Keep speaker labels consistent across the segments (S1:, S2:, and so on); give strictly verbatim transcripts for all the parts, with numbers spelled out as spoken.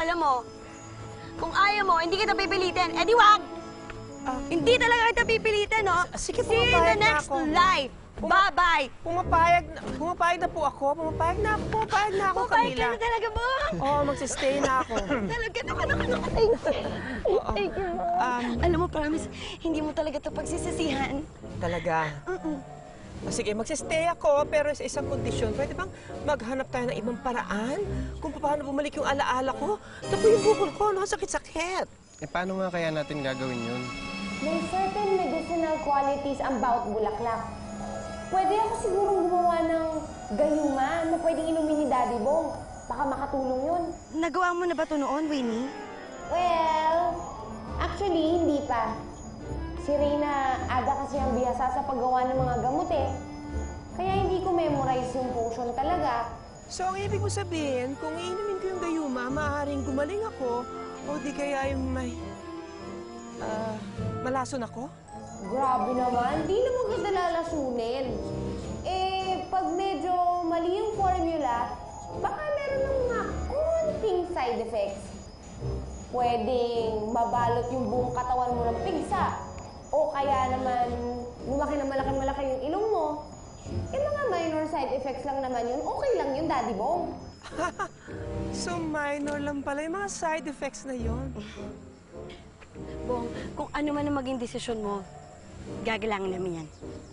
S1: Alam mo, kung ayaw mo, hindi kita pipilitin. Eh di wag!
S2: Ah,
S1: Hindi talaga kita pipilitin, no?
S2: sige,
S1: See you in the
S2: pumapayag na
S1: next
S2: ako.
S1: life. Bye-bye!
S2: Pumapayag na, pumapayag na po ako. Pumapayag na ako. Pumapayag na ako,
S1: Pumapayag
S2: Camila.
S1: ka na talaga, Bong!
S2: Oo, oh, magsistay na ako.
S1: Talaga, naku, naku, naku. Thank you.
S2: Oo.
S1: Thank you, Bong.
S2: Um,
S1: Alam mo, promise, hindi mo talaga ito pagsisisihan.
S2: Talaga?
S1: Mm-mm.
S2: O sige, magsistay ako, pero sa isang kondisyon. Pwede bang maghanap tayo ng ibang paraan? Kung paano bumalik yung alaala ko? Naku, yung bukol ko, no? Sakit-sakit.
S3: Eh, paano nga kaya natin gagawin yun?
S4: May certain medicinal qualities ang bawat bulaklak. Pwede ako sigurong gumawa ng gayuma na pwedeng inumin ni Daddy Bong. Baka makatulong yun.
S1: Nagawa mo na ba ito noon, Winnie?
S4: Well, actually, hindi pa. Si Reyna, aga kasi ang bihasa sa paggawa ng mga gamot eh. Kaya hindi ko memorize yung potion talaga.
S2: So, ang ibig mo sabihin, kung iinumin ko yung gayuma, maaaring gumaling ako, o di kaya yung may... Ah, malason ako?
S4: Grabe naman, di naman kita lalasunin. Eh, pag medyo mali yung formula, baka meron ng mga konting side effects. Pwedeng mabalot yung buong katawan mo ng pigsa. O kaya naman, lumaki na malaki-malaki yung ilong mo. Eh, mga minor side effects lang naman yun. Okay lang yun, Daddy Bong.
S2: So, minor lang pala yung mga side effects na yon.
S1: Bong, kung ano man ang maging desisyon mo, gagalangan namin yan.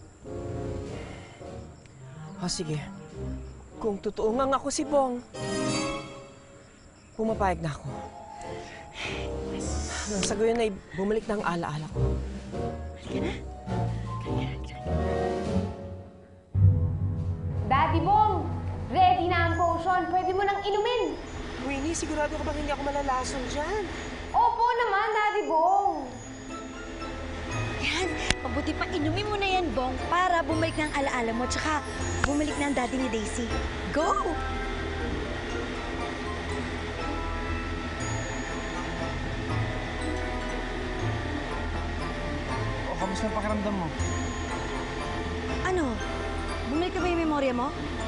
S2: O, sige. Kung totoo nga ako si Bong, pumapayag na ako. Nang sa gayon ay bumalik na ang alaala ko.
S1: Halika na.
S4: Daddy Bong, ready na ang potion. Pwede mo nang inumin.
S2: Winnie, sigurado ka bang hindi ako malalason dyan?
S4: Opo naman, Daddy Bong.
S1: Yan, mabuti pa inumin mo na yan, Bong, para bumalik na ang alaala mo, tsaka bumalik na ang daddy ni Daisy. Go!
S3: O, kamusta ang pakiramdam mo?
S1: Ano? Bumalik ka ba yung memorya mo?